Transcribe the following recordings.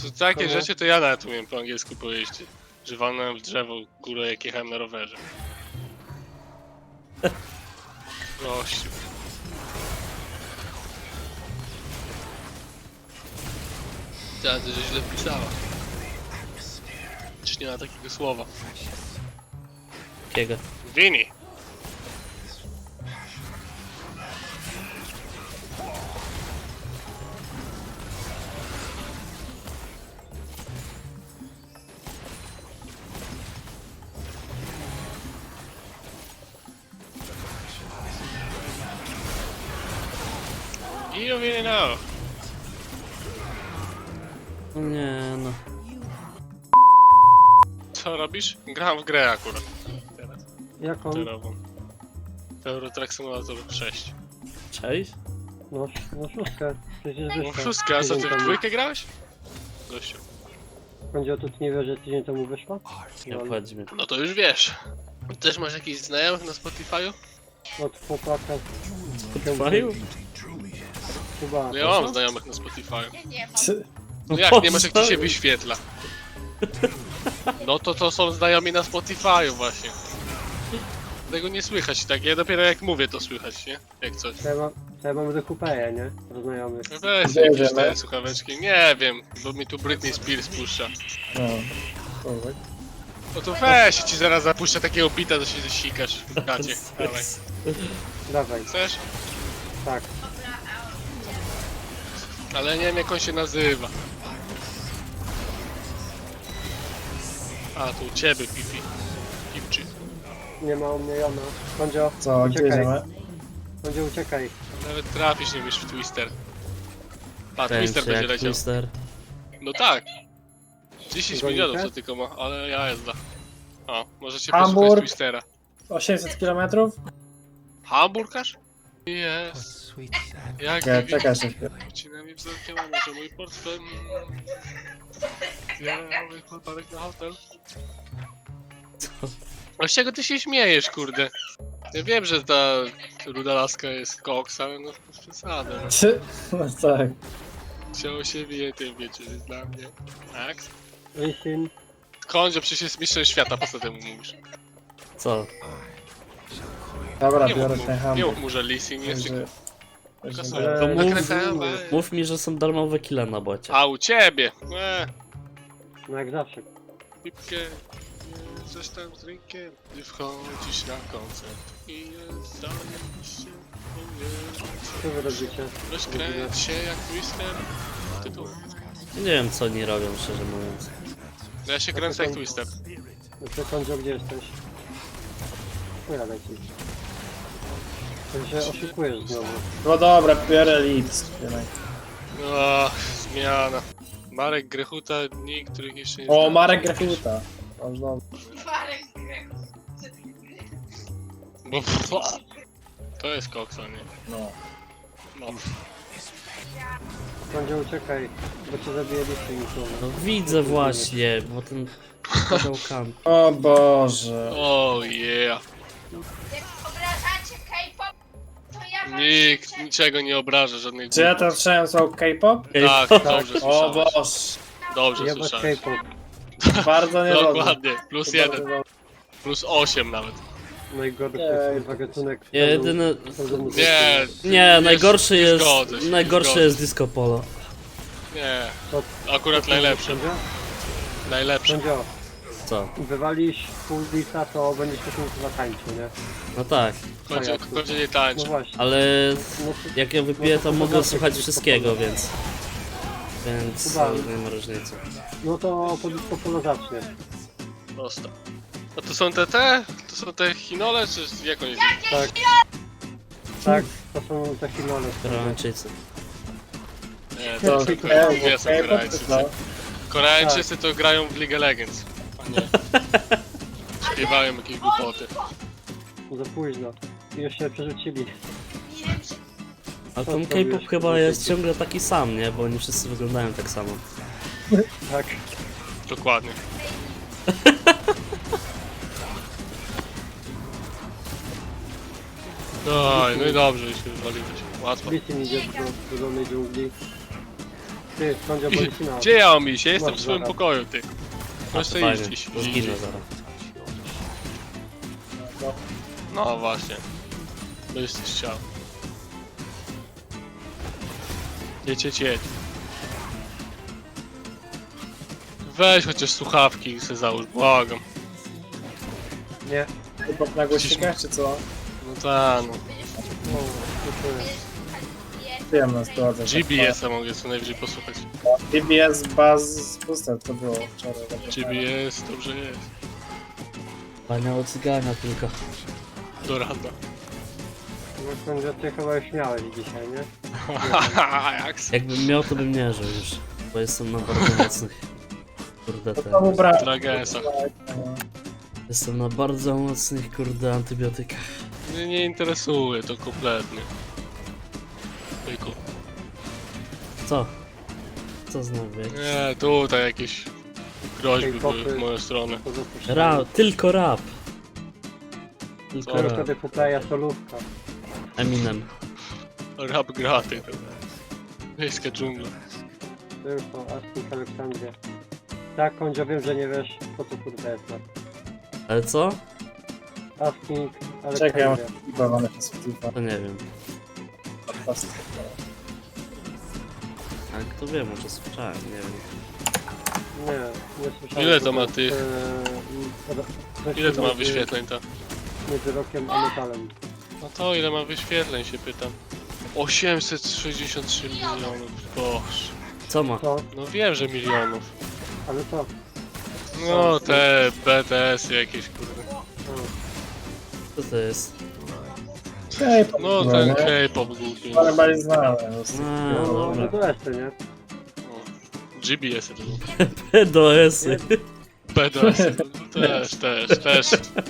Takie rzeczy to ja nawet umiem po angielsku powiedzieć. Że walnąłem w drzewo górę jak jechałem na rowerze. Gościu. Ta, to źle pisała. Czy nie ma takiego słowa? Jakiego? Vini! You really know. No nie no. Co robisz? Gram w grę akurat. Teraz. Jaką? Terową. Eurotrack Simulator 6. Cześć? No szóstkę. Przecież No wyszła. wszystko, a co ty Tydzień w temu. dwójkę grałeś? Gościu. Będzie o to, ty nie wiesz, że tydzień temu wyszła? Nie No, obchodzi mnie. No to już wiesz. Też masz jakichś znajomych na Spotify'u? od chłopaka. Trwają? Chyba. No ja mam znajomych na Spotify'u. Nie mam. No jak, nie masz jak ci się wyświetla? No to są znajomi na Spotify'u właśnie. Tego nie słychać, tak? Ja dopiero jak mówię to słychać, nie? Jak coś. To ja mam Kupeję, nie? Do znajomych. No weź jakieś te słuchaweczki, nie wiem, bo mi tu Britney Spears puszcza. No to weź, ci zaraz zapuszczę takiego bita, to się zasikasz w gacie. Dawaj. Dawaj, Chcesz? tak. Ale nie wiem jak on się nazywa. A, to u ciebie, Pipi. Pipczy. Nie ma u mnie Jona. Kondzio, Co, gdzie uciekaj. idziemy? Kondzio, uciekaj. Nawet trafisz nie wiesz w Twister. A, Kręci Twister będzie jak leciał. Twister. No tak. 10 Gonicie? milionów to tylko ma, ale ja jazda. O, możecie Hamburg. posłuchać Twistera. 800 km? Hamburgarz? Jest. Jak Nie, czekaj jeszcze chwilę. Wcinami wzrokiem, a może mój portfel. Biały chłopak na hotel. A z czego ty się śmiejesz, kurde? Ja wiem, że ta ruda laska jest koks, ale no bez przesady. No. No tak. Chciało się wie, tym wiecie, że jest dla mnie. Tak? Listen. Kondzio, przecież jest mistrzem świata, po co temu mówisz? Co? Dobra, Nie biorę mów, ten nie hamburg. mów mu, że leasing jest Że- tylko że- są Ale- To mów- nakręcane. Mów mi, że są darmowe kile na bocie. A u ciebie! No jak zawsze. Pipkę, coś tam z drinkiem. Gdy wchodzisz na koncert i zdajesz się Co wy robicie? rozkręć się jak Twister. Tytuł. Nie wiem co oni robią, szczerze mówiąc. Ja się kręcę jak Twister. No to Kondzio, gdzie jesteś? Chuja leci. Ty się oszukujesz znowu. No dobra, biorę Leeds. O, zmiana. Marek Grechuta, dni, których jeszcze nie O, znałem. Marek Grechuta. O, znowu. Marek Grechu. Bo to jest koksa, nie? No. No. Kondzio, uciekaj, bo cię zabije listing. No widzę właśnie, bo ten podał kam. O Boże. Oh yeah. Jak obrażacie K-pop, to ja wam Nikt życzę. niczego nie obraża, żadnych Czy ja głupot. to słyszałem słowo K-pop? Tak, dobrze O słyszałeś. Boże. Dobrze Jebać słyszałeś. Bardzo Dokładnie, niedobrze. plus Bardzo 1, dobrze. plus 8 nawet. Najgorszy Ej. kurwa gatunek. Jedyny... Nie, Nie, najgorszy nie jest... zgodzę się, nie Najgorszy zgodzę. jest Disco Polo. Nie, To- akurat najlepszy. Kondzio? Najlepszy. Kondzio, Co? wywalisz full lisa, to będziesz takim chyba tańczył, nie? No tak, Kończy nie No tańczy. właśnie. ale No to, jak ja wypiję to mogę słuchać wszystkiego, więc... Więc Chyba. nie ma różnicy. no to po disco polo zacznie. Prosto. A to są te? To są te chinole, czy jak oni się... Tak. Tak, to są te finale. Koreańczycy. Nie, To to są K-pop, nie są K-pop, Koreańczycy. co? Koreańczycy to grają w League of Legends. A nie. Śpiewają jakieś głupoty. Za późno. I już się przerzucili. Nie wiem, czy A Co ten zrobiłeś? K-pop chyba jest ciągle taki sam, nie? Bo oni wszyscy wyglądają tak samo. Tak. Dokładnie. No i dobrze, już wywaliłeś. Łatwo. Listing idzie do dolnej dżungli. Ty, Kondzio Borisina. Gdzie ja mam iść? Ja jestem w Masz swoim zaraz. pokoju, ty. A Możesz to sobie iść fajnie, gdzieś. to zginę zaraz. No właśnie. To jesteś chciał. Jedź. Weź chociaż słuchawki i se załóż, błagam. Nie. K-pop na głośnikach, czy co? No tak, no. No, dziękuję. Wiem na sytuację. GBS-a mogę co najwyżej posłuchać. GBS Buzz Booster to było wczoraj. GBS, dobrze jest. Paniało cygania tylko. Do rana. No Kondzio, ty chyba już miałeś dzisiaj, nie? Jak se? Jakbym miał, to bym nie żył już. Bo jestem na bardzo mocnych... Kurde, To mu brak. Dragesa. jestem na bardzo mocnych, kurde, antybiotykach. Mnie nie interesuje to kompletnie. Tylko. Co? Co znowu? Nie, tutaj jakieś groźby były w moją stronę. To zapuszczę. Tylko rap. Tylko Co? Tylko rap. wtedy kuplaja solówka. Eminem. Rap graty. Miejska dżungla. Tylko Asking Aleksandria. Tak, Kondzio, wiem, że nie wiesz, co to kurde jest. Ale co? Asking Czekaj, ja mam Aleksandria. chyba na Spotify. To nie wiem. Ale kto wie, może słyszałem, nie wiem. Nie słyszałem. Ile to ma jest, tych? coś Ile to ma między- wyświetleń to? Między rokiem a metalem. No to ile ma wyświetleń się pytam. 863 milionów, boż. Co ma? Co? No wiem, że milionów. Ale co? No te BTS-y jakieś kurde. Co to jest? K-pop, No ten nie? K-pop głupi. Ale bardziej znany. A, No, dobra. to jeszcze, nie? No. GBS-y to są. PDS-y. BTS-y to też.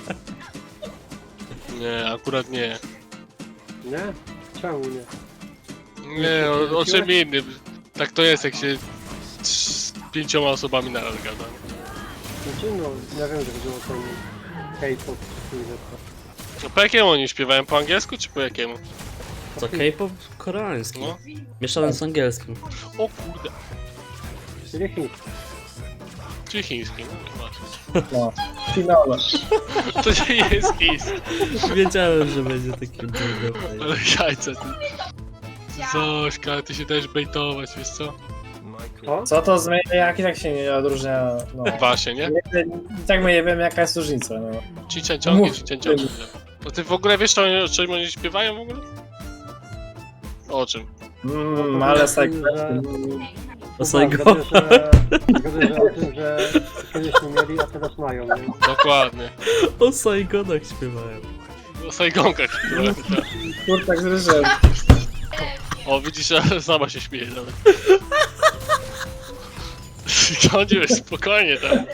Nie, akurat nie. Nie? Czemu nie? Nie, o czym innym. Tak to jest, jak się z 5 osobami naraz gada. Znaczy, no, ja wiem, że chodziło o ten K-pop, czy coś No po jakiemu oni śpiewają? Po angielsku czy po jakiemu? Co, K-pop koreański. No. Mieszany z angielskim. O kurde. Czyli chiński. Czy chiński, no właśnie. No. Finale. To nie jest chiński. Wiedziałem, że będzie taki długo. Ale jajca ty. Zośka, ale ty się dajesz bejtować, wiesz co? O? Co to zmienia, jak i tak się nie odróżnia, no. Właśnie, nie? I tak my nie wiemy jaka jest różnica, no. Cincianciągi, cincianciągi. No ty w ogóle wiesz, o czym oni śpiewają w ogóle? O czym? Ale tak. O Saigo. Zgodę, że o tym, że kiedyś nie mieli, a teraz mają, nie? Dokładnie. O Saigonach śpiewałem. O Saigonkach śpiewałem, tak. Kurczak z ryżem. O, widzisz, że sama się śmieje nawet. Sądziłeś spokojnie tam.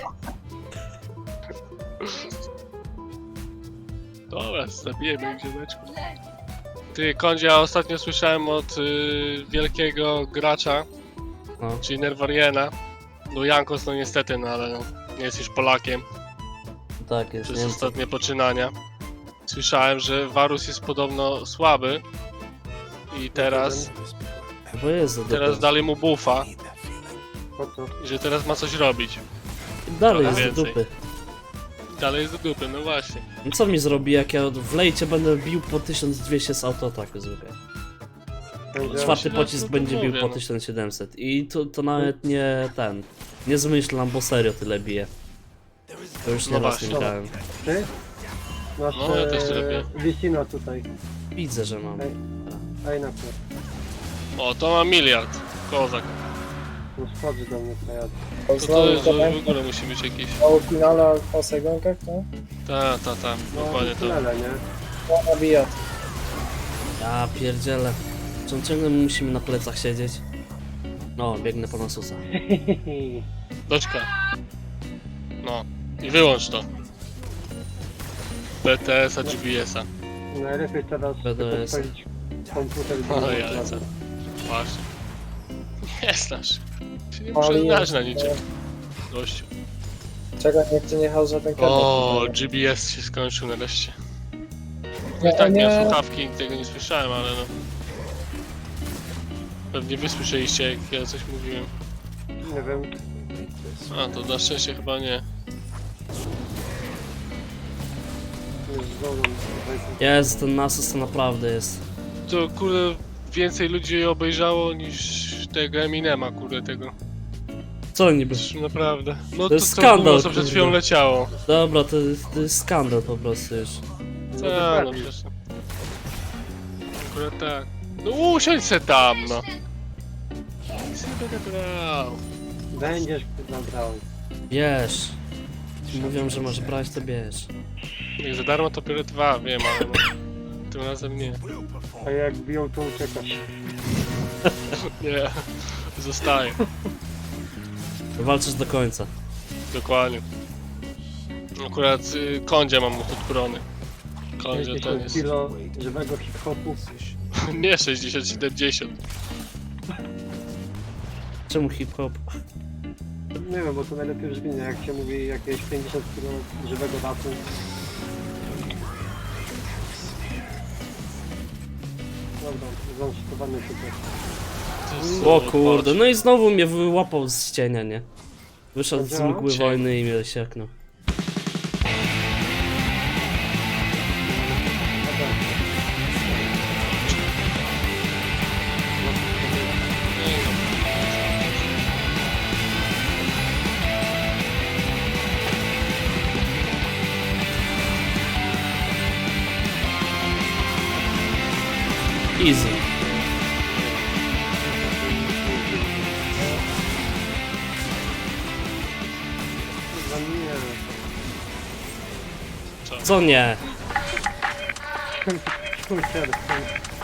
Dobra, zabijemy ich, ziomeczku. Ty, Kondzie, ja ostatnio słyszałem od wielkiego gracza, No. czyli Nerwariena. No Jankos, no niestety, no ale no, nie jest już Polakiem Tak jest, przez nie wiem co. ostatnie poczynania. Słyszałem, że Varus jest podobno słaby i teraz Bo jest za teraz dupy. dali mu buffa Po co? i że teraz ma coś robić. Dalej jest trochę do więcej. dupy. Dalej jest do dupy, no właśnie. No co mi zrobi, jak ja w lejcie będę bił po 1200 z autoataku zwykle? Będzie... Czwarty no, pocisk no to będzie bił mówię, po no. 1700. I to nawet nie ten. Nie zmyślam, bo serio tyle bije. To już No nie raz właśnie. nie grałem. Ty? Masz No, ja też tyle wiem. Wisino tutaj. Widzę, że mam. Ej, na przykład. O, to ma miliard. Kozak. No schodzi do mnie teraz. To jest, że w ogóle musi być jakiś... O finale o Saigonkach, no? Ta, No, dokładnie to. tyle, nie? No, nabija. Ja pierdzielę. Czy on ciągle musimy na plecach siedzieć? No, biegnę po Nasusa. Doczka. No. I wyłącz to. BTS-a, GBS-a. Najlepiej teraz BDS. odpalić komputer i No wyłączyć jajca. radio. Właśnie. Nie znasz. Się nie Ale muszę znać jest, na niczym. Gościu. Czekaj, niech cię nie chodzi ten K-pop. O, GBS się skończył nareszcie. No Nie, i tak nie. miałem słuchawki, tego nie słyszałem, ale no. Pewnie wy słyszeliście, jak ja coś mówiłem. Nie wiem. A, to na szczęście chyba nie. Jest znowu. Jest, ten Nasus to naprawdę jest. To kurde więcej ludzi obejrzało niż tego Eminema, kurde tego. Co niby? Naprawdę. No To jest to skandal, było, co przed kurde. chwilą leciało. Dobra, to jest skandal po prostu już. Tak, no przecież. Akurat tak. No usiądź se tam, no. Nic nie będę brał. Będziesz nabrał. Bierz. Mówią, że masz brać, to bierz. Jak za darmo to biorę 2, wiem, ale no. Tym razem nie. A jak biją, to uciekasz. Nie. Zostaję. Walczysz do końca. Dokładnie. Akurat kądzie mam odbrony. Kądzie to 50 jest... kilo żywego hip-hopu. Nie 60-70. Czemu hip-hop? Nie wiem, bo to najlepiej brzmi, jak się mówi jakieś 50 kilo żywego rapu. Dobra, zaanszytowany tutaj. O kurde, no i znowu mnie wyłapał z cienia, nie? Wyszedł z Działa? mgły wojny i mnie sieknął. Easy. Za mnie. Co nie? Kurde,